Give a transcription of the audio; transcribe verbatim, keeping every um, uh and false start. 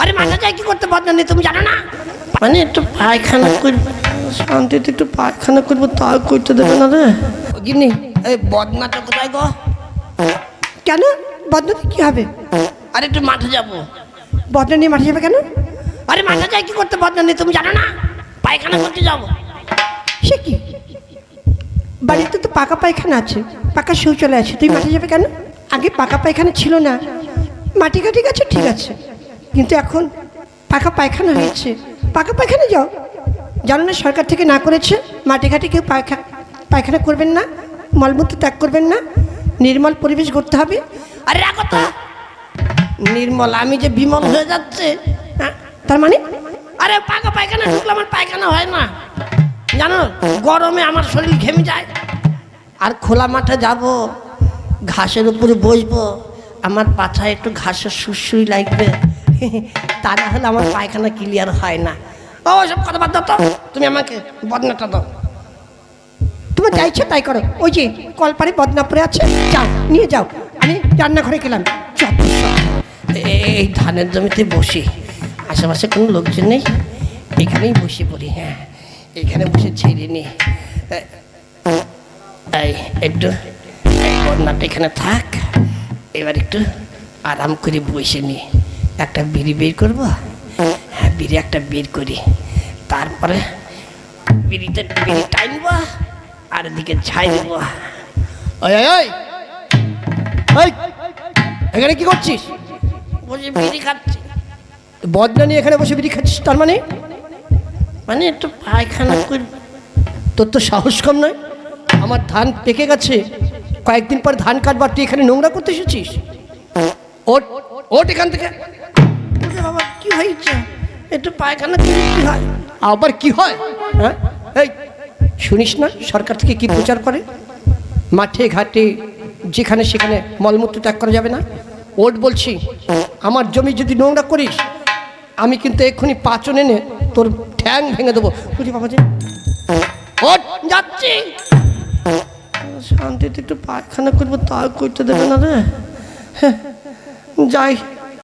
আরে মাথা চাই কি করতে বদনা নেই তুমি জানো না? মানে একটু পায়খানা করবো, শান্তিতে একটু পায়খানা করবো, তাও করতে দেবে না রে। গিন্নি এই বদনাটা কোথায় গো? কেন বদনাতে কি হবে? আরে একটু মাঠে যাবো। বদনা নিয়ে মাঠে যাবে কেন? আরে মাথা চাই কি করতে বদনা নেই তুমি জানো না? পায়খানা করতে যাবো। সে কি, বাড়িতে তো পাকা পায়খানা আছে, পাকা শৌচালয় আছে, তুই মাঠে যাবে কেন? আগে পাকা পায়খানা ছিল না, মাটি কাটি গেছে ঠিক আছে, কিন্তু এখন পাকা পায়খানা হয়েছে, পাকা পায়খানা যাও। জানো না সরকার থেকে না করেছে মাটি ঘাটে কেউ পায়খা পায়খানা করবেন না, মলমূত্র ত্যাগ করবেন না, নির্মল পরিবেশ করতে হবে। আরে রাখো তো নির্মল, আমি যে বিমল হয়ে যাচ্ছে। হ্যাঁ, তার মানে আরে পাকা পায়খানা ঢুকলে আমার পায়খানা হয় না জানো, গরমে আমার শরীর ঘেমে যায়। আর খোলা মাঠে যাব, ঘাসের উপরে বসবো, আমার পাছায় একটু ঘাসের সুরসুরি লাগবে, তা না হলে আমার পায়খানা ক্লিয়ার হয় না। ও সব কথা বাদ দাও তো, তুমি আমাকে বদনাটা দাও। তোমার যা ইচ্ছে তাই করো, ওই যে কলপারে বদনা পড়ে আছে, যাও নিয়ে যাও, আমি রান্নাঘরে গেলাম। যত সব। এই ধানের জমিতে বসি, আশেপাশে কোনো লোকজন নেই, এখানেই বসে পড়ি। হ্যাঁ এখানে বসে ছেড়ে নি। এই একটু বন্যাটা এখানে থাক, এবার একটু আরাম করে বসে নি, একটা বিড়ি বের করবো। হ্যাঁ বিড়ি একটা বের করি, তারপরে বিড়িতে বিড়ি টাইনবো আর এদিকে ছাই দেবো। ওই ওই ওই এখানে কি করছিস? বসে বিড়ি খাচ্ছি। বদনা নিয়ে এখানে বসে বিড়ি খাচ্ছিস, তার মানে মানে একটু পায়খানা করি। তোর তো সাহস কম নয়, আমার ধান পেকে গেছে, কয়েকদিন পর ধান কাটবার, তুই এখানে নোংরা করতে এসেছিস? ওট ওট এখান থেকে। ওরে বাবা কি হয়েছে? একটু পায়খানা করলে কি হয়? আবার কি হয়? হ্যাঁ এই শুনিস না সরকার থেকে কি প্রচার করে, মাঠে ঘাটে যেখানে সেখানে মলমূত্র ত্যাগ করা যাবে না। ওট বলছি, আমার জমি যদি নোংরা করিস আমি কিন্তু এক্ষুনি পাচন এনে তোর ঠ্যাং ভেঙে দেবো। বুঝি বাবা যে ওট যাচ্ছি। শান্তিতে একটু পায়খানা করবো, তাও করতে দেবে না রে। যাই।